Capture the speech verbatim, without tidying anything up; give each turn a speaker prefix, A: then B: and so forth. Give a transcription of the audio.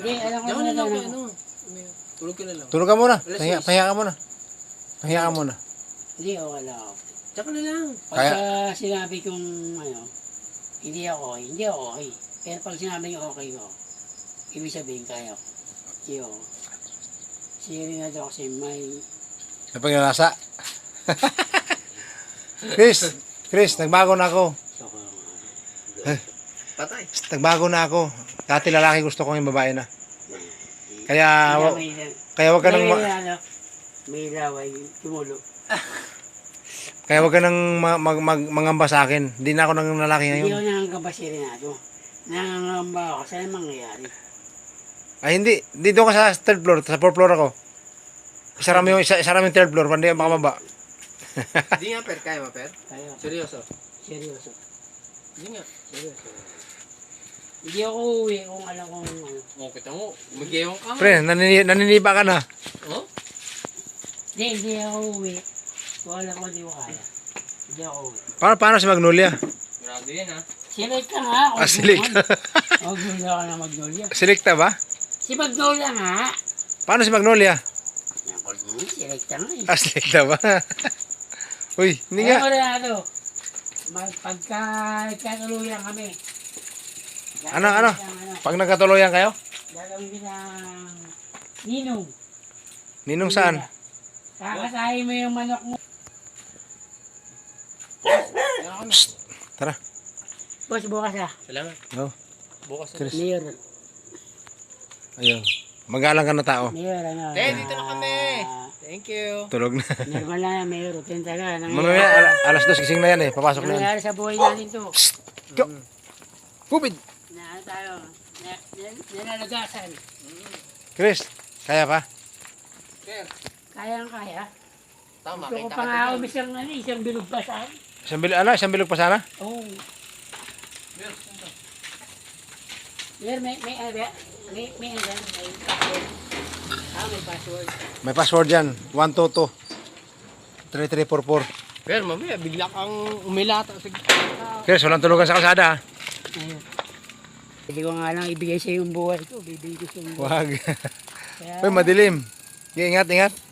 A: Hindi, alam ko
B: Diyan ka
A: na
B: na lang
A: lang.
B: kay ano. Tulog ka na lang.
C: Tulog ka muna.
B: Alas
C: Pahinga,
B: seis.
C: pahinga ka muna. Pahinga ka muna.
A: Hindi, okay lang ako.
B: Diyan ka na lang.
A: Pagka sinabi kong ano, hindi ako okay, hindi ako okay. Pero pag sinabi niyo okay ko, ibig sabihin kaya ko. Hindi ako. Serious ako kasi may...
C: Napagnanasa. Chris, Chris, nagbago na ako.
A: Soko lang.
B: Patay.
C: Nagbago na ako. Dati lalaki gusto ko yung babae na. Kaya,
A: Kaya
C: wa-
A: may...
C: kaya wag ka nang,
A: may,
C: ma-
A: ano, may laway, tumulo.
C: kaya wag ka nang ma- mag, mag, mangamba sa akin. Hindi na ako nang lalaki
A: Hindi
C: ngayon.
A: ako nangangamba si Renato. Nangangamba ako. Saan mangyayari?
C: Ay, hindi. Hindi doon ka sa third floor. Sa fourth floor ako. Isara mo yung, isa, isara mo yung third floor. Hindi ka makamaba.
B: Hindi nga, Per. Kaya mo, Per?
A: Kaya,
B: Seryoso.
A: seryoso.
B: Hindi nga.
A: Seryoso. Hindi ako uwi kung alam kong ano.
B: O, kita mo. Mag-iwan ka.
C: Pre, nanini, naniniba ka na.
B: Oh?
A: Hindi, hindi ako uwi. Kung alam ko hindi ko kaya. Hindi ako uwi.
C: Paano, paano si Magnolia?
B: Grado yan, ha?
A: Select ka nga.
C: Ah, select.
A: Magnolia ka na Magnolia.
C: Selecta ba?
A: Si Magnolia nga.
C: Paano si Magnolia?
A: Hmm, select ka nga eh.
C: Ah, selecta ba? Uy, hindi nga.
A: Alam mo na ano. Mag- Pagka nagkatuluyan kami.
C: Ano, ano?
A: Ng, ano
C: Pag nagkatuloyan kayo?
A: gagawin ko ng ninong.
C: Ninong saan?
A: Kakasahin mo yung manok mo.
C: Tara.
A: Boss, bukas ah.
B: Salamat.
C: No.
B: Bukas na.
C: Chris.
A: Mayor.
C: Ayun. Magalang ka na tao.
A: Mayor, ano.
B: Te, dito na kami.
A: ah,
B: Thank you.
C: Tulog na.
A: Normal lang yan, Mayor. Tenta ka.
C: Mamaya, ala- alas dos, gising na yan eh. Papasok na yan.
A: Nangyayari sa buhay natin to.
C: Go! Kupid!
A: Na ano tayo. Na, na, nanalagasan.
C: Chris, kaya pa?
B: Per.
A: Kayang kaya.
B: Tama,
A: Gusto ko
B: kita
A: pa
B: ka
A: nga ako
B: dyan.
A: isang, ano, isang bilog pa saan.
C: Isang bilog, ano? Isang bilog pa sana?
A: Oo. Oh.
B: Per, saan ka?
A: Mayor, may, may, may, may, may, ano, may password. Ah, may password.
C: May password yan. one two two three three four four.
B: Per, mamaya, bigla kang umilata. Sige.
C: Chris, walang tulugan sa kalsada ha?
A: Ayun. Hindi ko nga lang ibigay sa yung buhay ko. Bibigay ko sa yung buhay.
C: Wag.
A: Kaya,
C: Uy, madilim. Ingat, ingat.